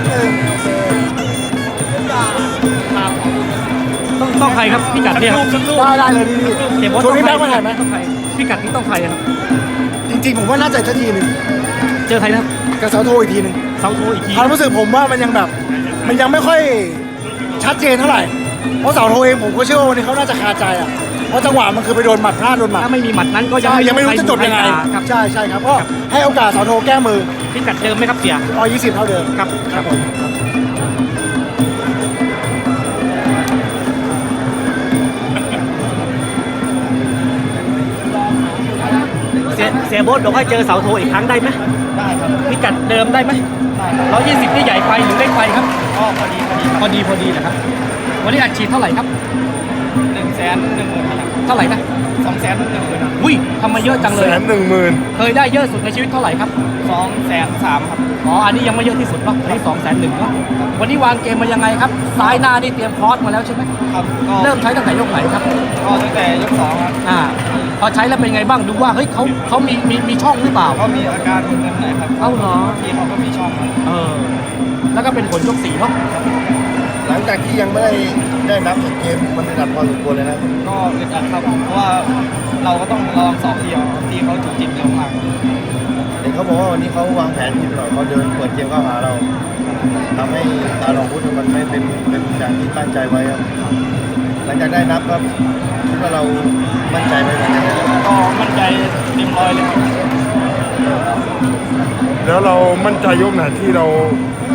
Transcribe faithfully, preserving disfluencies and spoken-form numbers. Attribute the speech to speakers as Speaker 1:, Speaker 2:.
Speaker 1: หนึ่ง
Speaker 2: ต้องต้องใครครับพิกัดเนี่ยครับ
Speaker 1: ได้ได้เลยนี่
Speaker 2: เดี๋ยว
Speaker 1: ช่วงนี้แบงค์มาถ่ายไหม
Speaker 2: ต้องใครพิกัดนี้ต้องใครครับ
Speaker 1: จริงๆผมว่าน่าจะอีกสักทีหนึ่ง
Speaker 2: เจอใครนะครับ
Speaker 1: กับเสาโทอีกทีหนึ่ง
Speaker 2: เซาโทอีกที
Speaker 1: ความรู้สึกผมว่ามันยังแบบ มันยังไม่ค่อยชัดเจนเท่าไหร่เพราะเสาโทเองผมก็เชื่อว่าวันนี้เขาน่าจะคาใจอ่ะเพราะจังหวะมันคือไปโดนหมัดพลาดโดนหมัด
Speaker 2: ถ้าไม่มีหมัดนั้นก็ยัง
Speaker 1: ใช่ยังไม่รู้จะจบยังไง
Speaker 2: ครับ
Speaker 1: ใช่ใช่ครับก็ให้โอกาสเสาโทแก้มือ
Speaker 2: พิกัดเดิมไหมครับเสีย
Speaker 1: ร้อยยี่สิบเท่าเดิม
Speaker 2: ครับครับผม เสียเสียโบ๊ทบอกให้เจอเสาโทอีกครั้งได้ไหม
Speaker 3: ได้ครับ
Speaker 2: พิกัดเดิมได้ไหม
Speaker 3: ได้ครับ
Speaker 2: ร้อยยี่สิบที่ใหญ่ไปหรือเล็กไปครับ
Speaker 3: ก็พอดีพอดี
Speaker 2: พอดีพอดีนะครับ วันนี้อัดฉีดเท่าไหร่ครับ
Speaker 3: หนึ่งแสนหนึ่งหมื่นครับ
Speaker 2: เท่าไหร่นะ
Speaker 3: สองแสนหนึ่งหมื่นครับ
Speaker 2: อุ้ยทำมาเยอะจังเล
Speaker 1: แส
Speaker 2: ย
Speaker 1: นหนึ่งหมื่น
Speaker 2: เคยได้เยอะสุดในชีวิตเท่าไหร่ครับ
Speaker 3: สองแสนสามครับ
Speaker 2: อ๋อ อันนี้ยังไม่เยอะที่สุดเนาะอันนี้สองแสนหนึ่งเนาะ วันนี้วางเกมมายังไงครับ ซ้ายหน้านี่เตรียมคอร์สมาแล้วใช่ไหม
Speaker 3: ครับก็
Speaker 2: เริ่มใช้ตั้งแต่ยกไหนครับ
Speaker 3: ก็ตั้งแต่ยกสองครับ
Speaker 2: อ่า พอใช้แล้วเป็นไงบ้าง ดูว่า เฮ้ยเขาเขามีมีมีช่องหรือเปล่า
Speaker 3: ก็มีอาการมึนๆหน่อยครับ
Speaker 2: เอ้าเหรอ
Speaker 3: ที่เขาก็มีช่องครับ
Speaker 2: เออ แล้วก็เป็นผลยกสี่เนาะ
Speaker 1: หลังจากที่ยังไม่ได้ได้นับอีกเกมมันระดับพอสมควรเลยนะ
Speaker 3: ก็อึดอัดครับเพราะว่าเราก็ต้องระวังสองทีเอาที่เขาจุกจิกเร็วมาก
Speaker 1: เห็นเขาบอกว่าวันนี้เขาวางแผนผิดหน่อยเขาเดินเปิดเกมเข้าหาเราทำให้การลงพุทธมันไม่เป็นเป็นอย่างที่ตั้งใจไว้ครับหลังจากได้นับครับคิดว่าเรามั่นใจไปเหมือนกันนะครับ
Speaker 3: ก็มั่นใจเต็มร้อยเลยครับ
Speaker 4: แล้วเรามั่นใจยกไหนที่เรา